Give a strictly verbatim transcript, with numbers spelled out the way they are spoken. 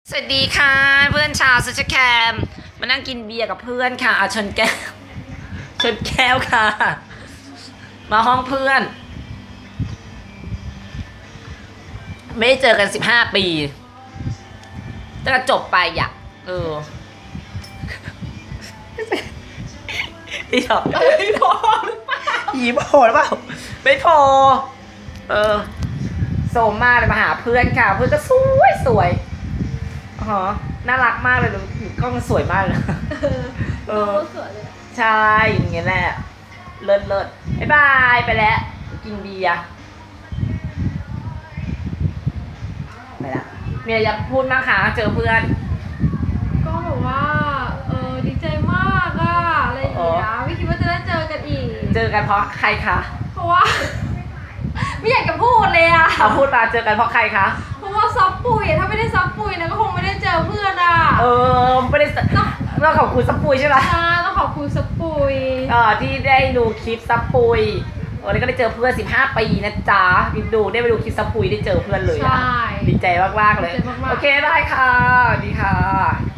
สวัสดีค่ะเพื่อนชาวโซเชียลแคมมานั่งกินเบียร์กับเพื่อนค่ะอาชนแก้วชนแก้วค่ะมาห้องเพื่อนไม่ได้เจอกันสิบห้าปีตั้งแต่จบไปอยากเอออีหรอไม่พออีพอหรือเปล่าไม่พอเออโซมมากเลยมาหาเพื่อนค่ะเพื่อนก็สวยสวยอ๋อน่ารักมากเลยดูกล้องสวยมากเลยเออใช่อย่างเงี้ยแหละเลิศเลิศบ๊ายบายไปแล้วกินเบียร์ไปละมีอะไรจะพูดบ้างคะเจอเพื่อนก็แบบว่าเออดีใจมากอะอะไรอย่างเงี้ยไม่คิดว่าจะได้เจอกันอีกเจอกันเพราะใครคะเพราะว่าไม่อยากจะพูดเลยอะเอาพูดมาเจอกันเพราะใครคะเพราะว่าซับปุยถ้าไม่ได้ซับปุยนะก็คงไม่ได้เจอเพื่อนอะเออไม่ได้ต้องขอบคุณซับปุยใช่ไหมใช่ต้องขอบคุณซับปุยเออที่ได้ดูคลิปซับปุยเออแล้วก็ได้เจอเพื่อนสิบห้าปีนะจ๊ะดูได้ไปดูคลิปซับปุยได้เจอเพื่อนเลยอะดีใจมากๆเลยโอเคได้ค่ะดีค่ะ